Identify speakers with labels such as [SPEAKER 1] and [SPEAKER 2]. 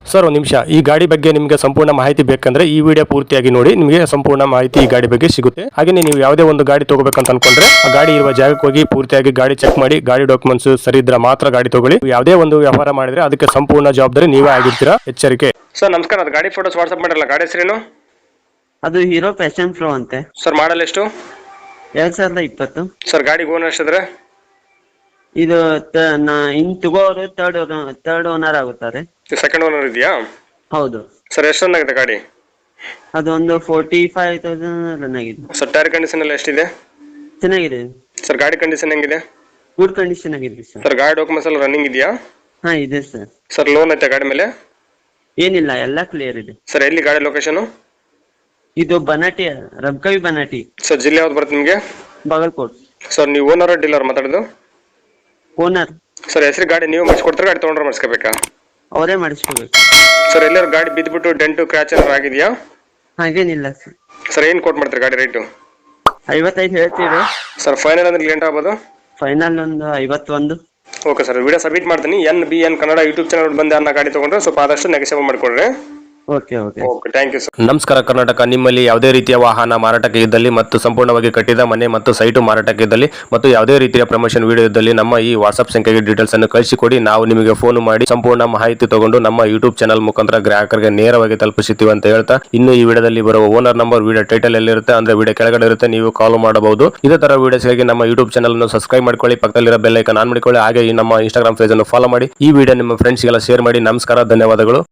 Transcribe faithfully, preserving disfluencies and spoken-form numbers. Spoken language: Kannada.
[SPEAKER 1] ಸರ್ ಒಂದು ನಿಮಿಷ, ಈ ಗಾಡಿ ಬಗ್ಗೆ ನಿಮಗೆ ಸಂಪೂರ್ಣ ಮಾಹಿತಿ ಬೇಕಂದ್ರೆ ಈ ವಿಡಿಯೋ ಪೂರ್ತಿಯಾಗಿ ನೋಡಿ, ನಿಮಗೆ ಸಂಪೂರ್ಣ ಮಾಹಿತಿ ಈ ಗಾಡಿ ಬಗ್ಗೆ ಸಿಗುತ್ತೆ. ಹಾಗೆ ನೀವು ಯಾವುದೇ ಒಂದು ಗಾಡಿ ತಗೋಬೇಕಂತ ಅನ್ಕೊಂಡ್ರೆ ಆ ಗಾಡಿ ಇರುವ ಜಾಗಕ್ಕೆ ಹೋಗಿ ಪೂರ್ತಿಯಾಗಿ ಗಾಡಿ ಚೆಕ್ ಮಾಡಿ, ಗಾಡಿ ಡಾಕ್ಯುಮೆಂಟ್ಸ್ ಸರಿ ಇದ್ರೆ ಮಾತ್ರ ಗಾಡಿ ತಗೊಳ್ಳಿ. ಯಾವುದೇ ಒಂದು ವ್ಯವಹಾರ ಮಾಡಿದ್ರೆ ಅದಕ್ಕೆ ಸಂಪೂರ್ಣ ಜವಾಬ್ದಾರಿ ನೀವೇ ಆಗಿರ್ತೀರಾ, ಎಚ್ಚರಿಕೆ. ಸರ್ ನಮಸ್ಕಾರ, ಅದು ಗಾಡಿ ಫೋಟೋಸ್ ವಾಟ್ಸ್ಆಪ್ ಮಾಡಿರಲ್ಲ, ಗಾಡಿ ಹೆಸರೇನು?
[SPEAKER 2] ಅದು ಹೀರೋ ಪ್ಯಾಷನ್ ಫ್ಲೋ ಅಂತೆ
[SPEAKER 1] ಸರ್ ಮಾಡಲ್ ಎಷ್ಟು?
[SPEAKER 2] ಎರಡ್ ಸಾವಿರದ ಇಪ್ಪತ್ತು.
[SPEAKER 1] ಸರ್ ಗಾಡಿಗೆ ಓನರ್ ಎಷ್ಟಿದ್ರೆ?
[SPEAKER 2] ಇದು ತ- ನಾ ಇನ್ ತಗೋರು ಥರ್ಡ್ ಥರ್ಡ್ ಓನರ್ ಆಗುತ್ತಾರೆ.
[SPEAKER 1] ಸೆಕೆಂಡ್ ಓನರ್ ಇದೆಯಾ?
[SPEAKER 2] ಹೌದು.
[SPEAKER 1] ಸರ್ ಎಷ್ಟು ರನ್ ಆಗಿದೆ ಗಾಡಿ?
[SPEAKER 2] ಅದೊಂದು ಫೋರ್ಟಿ ಫೈವ್ ತೌಸಂಡ್ ರನ್ ಆಗಿದೆ.
[SPEAKER 1] ಸರ್ ಟೈರ್ ಕಂಡೀಷನ್ ಎಲ್ಲ ಎಷ್ಟಿದೆ?
[SPEAKER 2] ಚೆನ್ನಾಗಿದೆ.
[SPEAKER 1] ಸರ್ ಗಾಡಿ ಕಂಡೀಷನ್ ಹೆಂಗಿದೆ?
[SPEAKER 2] ಗುಡ್ ಕಂಡೀಷನ್ ಆಗಿದೆ ಸರ್.
[SPEAKER 1] ಸರ್ ಗಾಡಿ ಡಾಕ್ಯುಮೆಂಟ್ಸ್ ಎಲ್ಲ ರನ್ನಿಂಗ್ ಇದೆಯಾ?
[SPEAKER 2] ಹಾ ಇದೆ ಸರ್.
[SPEAKER 1] ಸರ್ ಲೋನ್ ಐತೆ ಗಾಡಿ ಮೇಲೆ?
[SPEAKER 2] ಏನಿಲ್ಲ, ಎಲ್ಲ ಕ್ಲಿಯರ್ ಇದೆ.
[SPEAKER 1] ಸರ್ ಎಲ್ಲಿ ಗಾಡಿ ಲೊಕೇಶನ್?
[SPEAKER 2] ಇದು ಬನಾಟಿ, ರಬ್ಕವಿ ಬನಾಟಿ.
[SPEAKER 1] ಸರ್ ಜಿಲ್ಲೆ ಯಾವ್ದು ಬರುತ್ತೆ ನಿಮಗೆ?
[SPEAKER 2] ಬಾಗಲ್ಕೋಟ್.
[SPEAKER 1] ಸರ್ ನೀವು ಓನರ್ ಡೀಲರ್ ಮಾತಾಡೋದು?
[SPEAKER 2] ಓನರ್.
[SPEAKER 1] ಸರ್ ಹೆಸರು ಗಾಡಿ ನೀವು ಮಾಡಿಸ್ಕೊಡ್ತಾರೆ, ಗಾಡಿ ತೊಗೊಂಡ್ರೆ ಮಾಡಿಸ್ಕೋಬೇಕಾ?
[SPEAKER 2] ಅವರೇ ಮಾಡಿಸ್ಕೋಬೇಕು.
[SPEAKER 1] ಸರ್ ಎಲ್ಲರೂ ಗಾಡಿ ಬಿದ್ದುಬಿಟ್ಟು ಡೆಂಟು ಕ್ರ್ಯಾಚ್ ಏನಾರು ಆಗಿದೆಯಾ?
[SPEAKER 2] ಹಾಗೇನಿಲ್ಲ ಸರ್.
[SPEAKER 1] ಸರ್ ಏನು ಕೊಟ್ಟು ಮಾಡ್ತಾರೆ ಗಾಡಿ ರೇಟು?
[SPEAKER 2] ಐವತ್ತೈದು ಹೇಳ್ತೀವಿ
[SPEAKER 1] ಸರ್ ಫೈನಲ್ ಅಂದ್ರೆ ಲೇಟ್ ಆಗ್ಬೋದು?
[SPEAKER 2] ಫೈನಲ್ ಒಂದು ಐವತ್ತೊಂದು.
[SPEAKER 1] ಓಕೆ ಸರ್, ವಿಡಿಯೋ ಸಬ್ಮಿಟ್ ಮಾಡ್ತೀನಿ. N B N Kannada YouTube channel ಬಂದು ಅನ್ನ ಗಾಡಿ ತೊಗೊಂಡ್ರೆ ಸ್ವಲ್ಪ ಆದಷ್ಟು ನೆಗೆಸೇಬಲ್ ಮಾಡಿಕೊಡ್ರಿ.
[SPEAKER 2] Okay okay
[SPEAKER 1] okay, thank you sir. ನಮಸ್ಕಾರ ಕರ್ನಾಟಕ. ನಿಮ್ಮಲ್ಲಿ ಯಾವುದೇ ರೀತಿಯ ವಾಹನ ಮಾರಾಟಕ್ಕೆ ಇದ್ದಲ್ಲಿ ಮತ್ತು ಸಂಪೂರ್ಣವಾಗಿ ಕಟ್ಟಿದ ಮನೆ ಮತ್ತು ಸೈಟು ಮಾರಾಟಕ್ಕೆ ಇದ್ದಲ್ಲಿ ಮತ್ತು ಯಾವುದೇ ರೀತಿಯ ಪ್ರಮೋಷನ್ ವಿಡಿಯೋ ಇದ್ದಲ್ಲಿ ನಮ್ಮ ಈ ವಾಟ್ಸ್ಆಪ್ ಸಂಖ್ಯೆಗೆ ಡೀಟೇಲ್ಸ್ ಅನ್ನು ಕಳಿಸಿಕೊಡಿ. ನಾವು ನಿಮಗೆ ಫೋನ್ ಮಾಡಿ ಸಂಪೂರ್ಣ ಮಾಹಿತಿ ತಗೊಂಡು ನಮ್ಮ ಯೂಟ್ಯೂಬ್ ಚಾನಲ್ ಮುಖಾಂತರ ಗ್ರಾಹಕರಿಗೆ ನೇರವಾಗಿ ತಲುಪಿಸುತ್ತೀವಿ ಅಂತ ಹೇಳ್ತಾ, ಇನ್ನು ಈ ವಿಡಿಯೋದಲ್ಲಿ ಬರುವ ಓನರ್ ನಂಬರ್ ವಿಡಿಯೋ ಟೈಟಲ್ ಎಲ್ಲಿರುತ್ತೆ ಅಂದ್ರೆ ವಿಡಿಯೋ ಕೆಳಗಡೆ ಇರುತ್ತೆ, ನೀವು ಕಾಲ್ ಮಾಡಬಹುದು. ಇದೇ ತರ ವಿಡಿಯೋಸ್ಗಾಗಿ ನಮ್ಮ ಯೂಟ್ಯೂಬ್ ಚಾನಲ್ ಅನ್ನು ಸಬ್ಸ್ಕ್ರೈಬ್ ಮಾಡ್ಕೊಳ್ಳಿ, ಪಕ್ಕದಲ್ಲಿರೋ ಬೆಲ್ ಐಕಾನ್ ಆನ್ ಮಾಡಿಕೊಳ್ಳಿ. ಹಾಗೆ ಈ ನಮ್ಮ ಇನ್ಸ್ಟಾಗ್ರಾಮ್ ಪೇಜ್ ಅನ್ನು ಫಾಲೋ ಮಾಡಿ. ಈ ವಿಡಿಯೋ ನಿಮ್ಮ ಫ್ರೆಂಡ್ಸ್ಗೆಲ್ಲ ಶೇರ್ ಮಾಡಿ. ನಮಸ್ಕಾರ, ಧನ್ಯವಾದಗಳು.